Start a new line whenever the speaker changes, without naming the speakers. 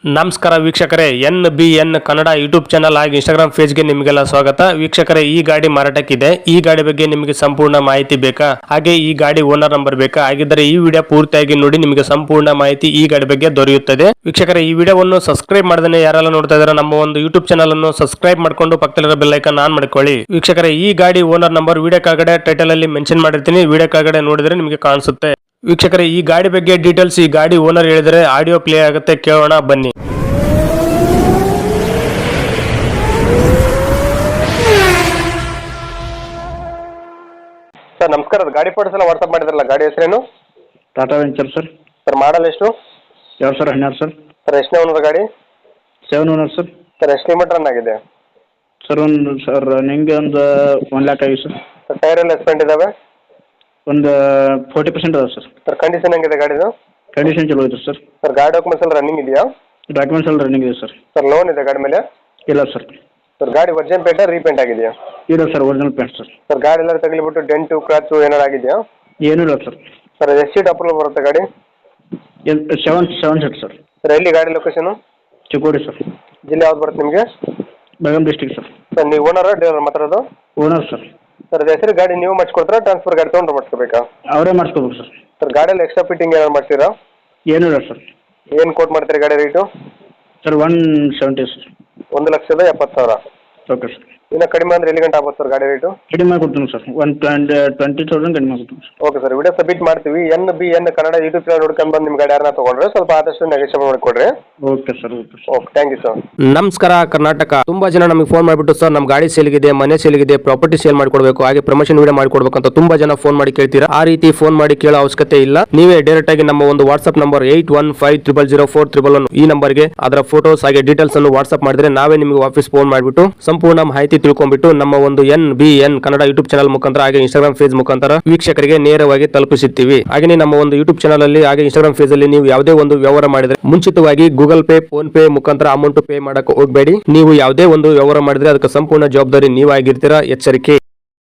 ನಮಸ್ಕಾರ ವೀಕ್ಷಕರೇ, NBN Kannada YouTube channel ಹಾಗೂ ಇನ್ಸ್ಟಾಗ್ರಾಮ್ ಪೇಜ್ಗೆ ನಿಮಗೆಲ್ಲ ಸ್ವಾಗತ. ವೀಕ್ಷಕರೇ, ಈ ಗಾಡಿ ಮಾರಾಟಕ್ಕಿದೆ. ಈ ಗಾಡಿ ಬಗ್ಗೆ ನಿಮಗೆ ಸಂಪೂರ್ಣ ಮಾಹಿತಿ ಬೇಕಾ? ಹಾಗೆ ಈ ಗಾಡಿ ಓನರ್ ನಂಬರ್ ಬೇಕಾ? ಹಾಗಿದ್ದರೆ ಈ ವಿಡಿಯೋ ಪೂರ್ತಿಯಾಗಿ ನೋಡಿ, ನಿಮಗೆ ಸಂಪೂರ್ಣ ಮಾಹಿತಿ ಈ ಗಾಡಿ ಬಗ್ಗೆ ದೊರೆಯುತ್ತದೆ. ವೀಕ್ಷಕರೇ, ಈ ವಿಡಿಯೋವನ್ನು ಸಬ್ಸ್ಕ್ರೈಬ್ ಮಾಡದೇ ಯಾರೆಲ್ಲ ನೋಡ್ತಾ ಇದ್ದಾರೆ ನಮ್ಮ ಒಂದು ಯೂಟ್ಯೂಬ್ ಚಾನಲ್ ಅನ್ನು ಸಬ್ಸ್ಕ್ರೈಬ್ ಮಾಡ್ಕೊಂಡು ಪಕ್ಕದಲ್ಲಿರೋ ಬೆಲ್ ಐಕಾನ್ ಆನ್ ಮಾಡ್ಕೊಳ್ಳಿ. ವೀಕ್ಷಕರೇ, ಈ ಗಾಡಿ ಓನರ್ ನಂಬರ್ ವಿಡಿಯೋ ಕೆಳಗಡೆ ಟೈಟಲ್ ಅಲ್ಲಿ ಮೆನ್ಷನ್ ಮಾಡಿರ್ತೀನಿ. ವಿಡಿಯೋ ಕೆಳಗಡೆ ನೋಡಿದ್ರೆ ನಿಮಗೆ ಕಾಣಿಸುತ್ತೆ. ವೀಕ್ಷಕರೇ, ಈ ಗಾಡಿ ಬಗ್ಗೆ ಡೀಟೇಲ್ಸ್ ಈ ಗಾಡಿ ಓನರ್ ಹೇಳಿದರೆ ಆಡಿಯೋ ಪ್ಲೇ ಆಗುತ್ತೆ, ಕೇಳೋಣ ಬನ್ನಿ. ಸರ್ ನಮಸ್ಕಾರ, ಗಾಡಿ ಫೋಟೋಸ್ ಎಲ್ಲ ವಾಟ್ಸಪ್ ಮಾಡಿದ್ರಲ್ಲ, ಗಾಡಿ ಹೆಸರೇನು?
Tata Venture sir.
Sir model ಎಷ್ಟು?
2012 ಸರ್.
ಸರ್ ಎಷ್ಟನೇ ಓನರ್ ಗಾಡಿ?
7 ಓನರ್ ಸರ್.
ಸರ್ ಎಷ್ಟು ಕಿಲೋಮೀಟರ್ ರನ್ ಆಗಿದೆ?
ಸರ್ ನಿಮಗೆ ಒಂದು 1 ಲ್ಯಾಕ್ ಆಗಿದೆ ಸರ್.
ಸರ್ ಟೈರ್ ಎಲ್ಲ ಎಸ್ಪೆಂಟ್ ಇದಾವೆ?
ಒಂದು 40% ಅದಾವೆ ಸರ್.
ಸರ್ ಕಂಡೀಷನ್ ಹೆಂಗಿದೆ ಗಾಡಿದು?
ಕಂಡೀಷನ್ ಚಲೋ ಇದೆ ಸರ್.
ಸರ್ ಗಾಡಿ ಡಾಕ್ಯುಮೆಂಟ್ಸ್ ಎಲ್ಲ ರನ್ನಿಂಗ್ ಇದೆಯಾ?
ಡಾಕ್ಯುಮೆಂಟ್ಸ್ ಎಲ್ಲ ರನ್ನಿಂಗ್ ಇದೆ ಸರ್.
ಸರ್ ಲೋನ್ ಇದೆ ಗಾಡಿ ಮೇಲೆ?
ಇಲ್ಲ ಸರ್.
ಸರ್ ಗಾಡಿ ಒರಿಜಿನಲ್ ಪೇಂಟ್ ರೀಪೇಂಟ್ ಆಗಿದೆಯಾ?
ಇಲ್ಲ sir, original paint sir.
Sir ಗಾಡಿ ಎಲ್ಲ ತಗಲಿಬಿಟ್ಟು ಡೆಂಟು ಕ್ರಾಚು ಏನಾರು ಆಗಿದೆಯಾ?
ಏನೂ ಇಲ್ಲ ಸರ್.
ಸರ್ ಎಷ್ಟು ಸೀಟ್ ಅಪ್ರೂವಲ್ ಬರುತ್ತೆ ಗಾಡಿ?
7 ಸೀಟ್ ಸರ್.
ಸರ್ ಎಲ್ಲಿ ಗಾಡಿ ಲೊಕೇಶನು?
ಚಿಕ್ಕೋಡಿ ಸರ್.
ಜಿಲ್ಲೆ ಯಾವ್ದು ಬರುತ್ತೆ ನಿಮಗೆ?
Belgaum district sir.
ಸರ್ ನೀವು ಓನರ್ ಡೀಲರ್ ಮಾತಾಡೋದು?
Owner sir.
ಸರ್ ಅದು ಹೆಸರು ಗಾಡಿ ನೀವು ಮಾಡಿಸ್ಕೊಡ್ತೀರಾ, ಟ್ರಾನ್ಸ್ಫರ್ ಗಾಡಿ ತೊಗೊಂಡ್ರೆ ಮಾಡಿಸ್ಕೋಬೇಕಾ?
ಅವರೇ ಮಾಡಿಸ್ಕೋಬೇಕು ಸರ್.
ಸರ್ ಗಾಡಿಯಲ್ಲಿ ಎಕ್ಸ್ಟ್ರಾ ಫಿಟ್ಟಿಂಗ್ ಏನಾರು ಮಾಡ್ತೀರಾ?
ಏನೂ ಇಲ್ಲ ಸರ್.
ಏನು ಕೋಟ್ ಮಾಡ್ತೀರಿ ಗಾಡಿ rate?
Sir 170 sir.
1,70,000.
Okay sir.
ಇನ್ನು ಕಡಿಮೆ ಅಂದರೆ ಎಲ್ಲಿ ಗಂಟೆ ಆಗುತ್ತೆ ಸರ್ ಗಾಡಿ ರೇಟು?
ಕಡಿಮೆ ಮಾಡಿಕೊಡ್ತೀನಿ ಸರ್. 20,000 ಕಡಿಮೆ ಮಾಡಿಕೊಡ್ತೀನಿ sir.
Okay sir, video submit ಮಾಡ್ತೀವಿ. NBN ಕನ್ನಡ ಯೂಟ್ಯೂಬ್ ಚಾನಲ್ ನೋಡ್ಕೊಂಡು ಬಂದು ನಿಮ್ಮ ಗಾಡಿ ಯಾರನ್ನ ತೊಗೊಂಡ್ರೆ ಸ್ವಲ್ಪ ಆದಷ್ಟು ನೆಗೋಷಿಯೇಟ್ ಮಾಡಿಕೊಡ್ರಿ.
Okay sir. Okay sir.
Okay, thank you sir.
ನಮಸ್ಕಾರ ಕರ್ನಾಟಕ. ತುಂಬಾ ಜನ ನಮಗೆ ಫೋನ್ ಮಾಡಿಬಿಟ್ಟು ಸರ್ ನಮ್ಮ ಗಾಡಿ ಸೇಲ್ಗಿದೆ, ಮನೆ ಸೇಲ್ಗಿದೆ, ಪ್ರಾಪರ್ಟಿ ಸೇಲ್ ಮಾಡ್ಕೊಡ್ಬೇಕು, ಹಾಗೆ ಪ್ರಮೋಷನ್ ವಿಡಿಯೋ ಮಾಡ್ಕೊಡ್ಬೇಕು ಅಂತ ತುಂಬಾ ಜನ ಫೋನ್ ಮಾಡಿ ಕೇಳ್ತೀರಾ. ಆ ರೀತಿ ಫೋನ್ ಮಾಡಿ ಕೇಳೋ ಅವಶ್ಯಕತೆ ಇಲ್ಲ. ನೀವೇ ಡೈರೆಕ್ಟ್ ಆಗಿ ನಮ್ಮ ಒಂದು ವಾಟ್ಸ್ಆಪ್ ನಂಬರ್ 81500411 ಈ ನಂಬರ್ಗೆ ಅದರ ಫೋಟೋಸ್ ಹಾಗೆ ಡೀಟೇಲ್ಸ್ ಅನ್ನು ವಾಟ್ಸ್ಆಪ್ ಮಾಡಿದ್ರೆ ನಾವೇ ನಿಮಗೆ ವಾಪಸ್ ಫೋನ್ ಮಾಡಿಬಿಟ್ಟು ಸಂಪೂರ್ಣ ಮಾಹಿತಿ ತಿಳ್ಕೊಂಡ್ಬಿಟ್ಟು ನಮ್ಮ ಒಂದು NBN ಕನ್ನಡ ಯೂಟ್ಯೂಬ್ ಚಾನಲ್ ಮುಖಾಂತರ ಹಾಗೆ ಇನ್ಸ್ಟಾಗ್ರಾಮ್ ಪೇಜ್ ಮುಖಾಂತರ ವೀಕ್ಷಕರಿಗೆ ನೇರವಾಗಿ ತಲುಪಿಸುತ್ತೀವಿ. ಹಾಗೆ ನಮ್ಮ ಒಂದು ಯೂಟ್ಯೂಬ್ ಚಾನಲ್ ಅಲ್ಲಿ ಹಾಗೆ ಇನ್ಸ್ಟಾಗ್ರಾಮ್ ಪೇಜ್ ಅಲ್ಲಿ ನೀವು ಯಾವುದೇ ಒಂದು ವ್ಯವಹಾರ ಮಾಡಿದ್ರೆ ಮುಂಚಿತವಾಗಿ ಗೂಗಲ್ ಪೇ, ಫೋನ್ ಪೇ ಮುಖಾಂತರ ಅಮೌಂಟ್ ಪೇ ಮಾಡಕ್ಕೆ ಹೋಗಬೇಡಿ. ನೀವು ಯಾವುದೇ ಒಂದು ವ್ಯವಹಾರ ಮಾಡಿದ್ರೆ ಅದಕ್ಕೆ ಸಂಪೂರ್ಣ ಜವಾಬ್ದಾರಿ ನೀವಾಗಿರ್ತೀರಾ. ಎಚ್ಚರಿಕೆ.